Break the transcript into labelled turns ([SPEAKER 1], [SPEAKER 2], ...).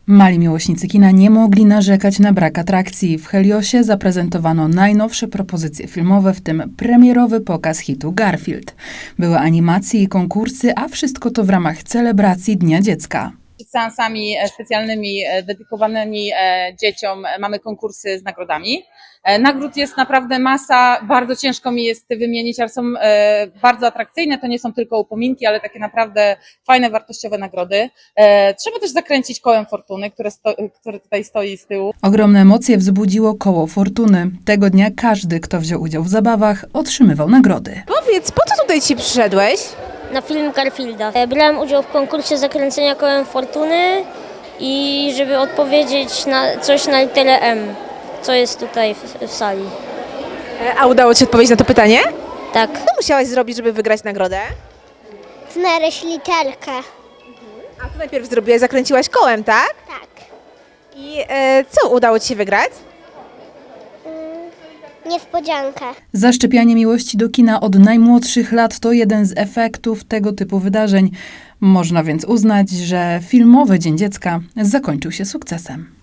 [SPEAKER 1] Mali miłośnicy kina nie mogli narzekać na brak atrakcji. W Heliosie zaprezentowano najnowsze propozycje filmowe, w tym premierowy pokaz hitu Garfield. Były animacje i konkursy, a wszystko to w ramach celebracji Dnia Dziecka.
[SPEAKER 2] Przed seansami specjalnymi dedykowanymi dzieciom mamy konkursy z nagrodami. Nagród jest naprawdę masa, bardzo ciężko mi jest wymienić, ale są bardzo atrakcyjne. To nie są tylko upominki, ale takie naprawdę fajne, wartościowe nagrody. Trzeba też zakręcić kołem fortuny, które tutaj stoi z tyłu.
[SPEAKER 1] Ogromne emocje wzbudziło koło fortuny. Tego dnia każdy, kto wziął udział w zabawach, otrzymywał nagrody.
[SPEAKER 3] Powiedz, po co tutaj dzisiaj przyszedłeś?
[SPEAKER 4] Na film Garfielda. Brałem udział w konkursie zakręcenia kołem fortuny i żeby odpowiedzieć na coś na literę M, co jest tutaj w sali.
[SPEAKER 3] A udało ci się odpowiedzieć na to pytanie?
[SPEAKER 4] Tak.
[SPEAKER 3] Co musiałaś zrobić, żeby wygrać nagrodę?
[SPEAKER 5] Znaleźć literkę.
[SPEAKER 3] A co najpierw zrobiłaś? Zakręciłaś kołem, tak?
[SPEAKER 5] Tak.
[SPEAKER 3] I co udało ci się wygrać?
[SPEAKER 5] Niespodziankę.
[SPEAKER 1] Zaszczepianie miłości do kina od najmłodszych lat to jeden z efektów tego typu wydarzeń. Można więc uznać, że filmowy Dzień Dziecka zakończył się sukcesem.